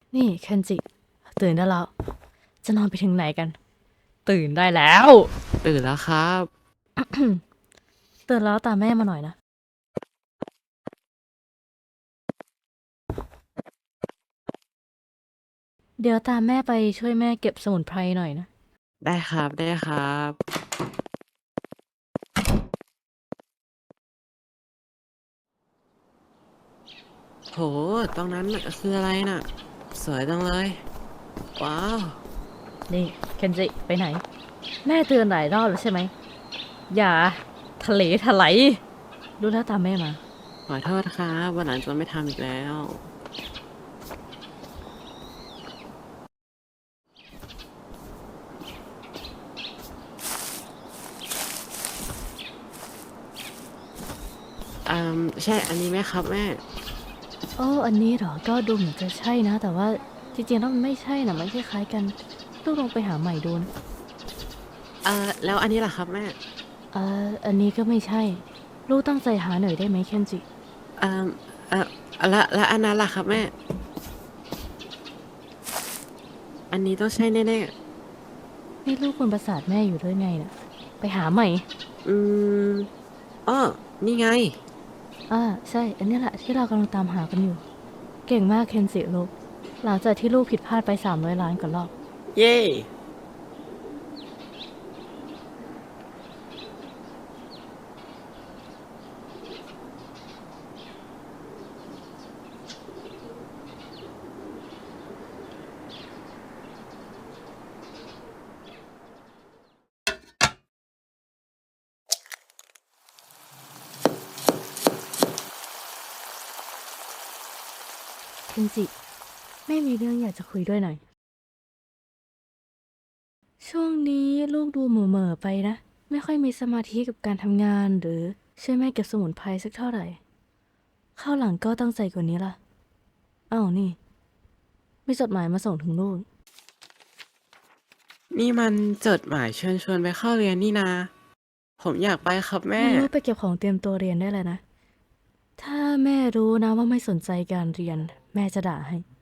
นี่เคนจิตื่นได้แล้วจะนอนไปถึงไหนกันตื่นได้แล้วตื่นแล้วครับตื่นแล้วตามแม่มาหน่อยนะเดี๋ยวตามแม่ไปช่วยแม่เก็บสมุนไพรหน่อยนะได้ครับได้ครับโหตรงนั้นน่ะคืออะไรน่ะสวยจังเลยว้าวนี่เคนจิไปไหนแม่เตือนหลายรอบแล้วใช่ไหมอย่าทะเลถลายรู้แล้วตามแม่มาขอโทษครับวันหลังจะไม่ทำอีกแล้วใช่อันนี้ไหมครับแม่โอ้อันนี้เหรอก็ดูเหมือนจะใช่นะแต่ว่าจริงๆแล้วมันไม่ใช่นะมันคล้ายๆกันลูกลองไปหาใหม่ดูนะแล้วอันนี้ล่ะครับแม่อันนี้ก็ไม่ใช่ลูกตั้งใจหาหน่อยได้ไหมเคนจิเอ่อเอ่อแล้วอันนั้นล่ะครับแม่อันนี้ต้องใช่แน่นี่ลูกคนประสาทแม่อยู่ด้วยไงน่ะไปหาใหม่ๆอ้อนี่ไงใช่อันนี้แหละที่เรากำลังตามหากันอยู่เก่งมากเคนจิลูกหลังจากที่ลูกผิดพลาดไป300 ล้านกว่ารอบเย้เคนจิไม่มีเรื่องอยากจะคุยด้วยหน่อยช่วงนี้ลูกดูเหม่อๆไปนะไม่ค่อยมีสมาธิกับการทำงานหรือช่วยแม่เก็บสมุนไพรสักเท่าไหร่ข้าวหลังก็ตั้งใจกว่านี้ล่ะอ้าวนี่มีจดหมายมาส่งถึงลูกนี่มันจดหมายเชิญชวนไปเข้าเรียนนี่นาผมอยากไปครับแม่งั้นลูกไปเก็บของเตรียมตัวเรียนได้เลยนะถ้าแม่รู้นะว่าไม่สนใจการเรียนแม่จะด่าให้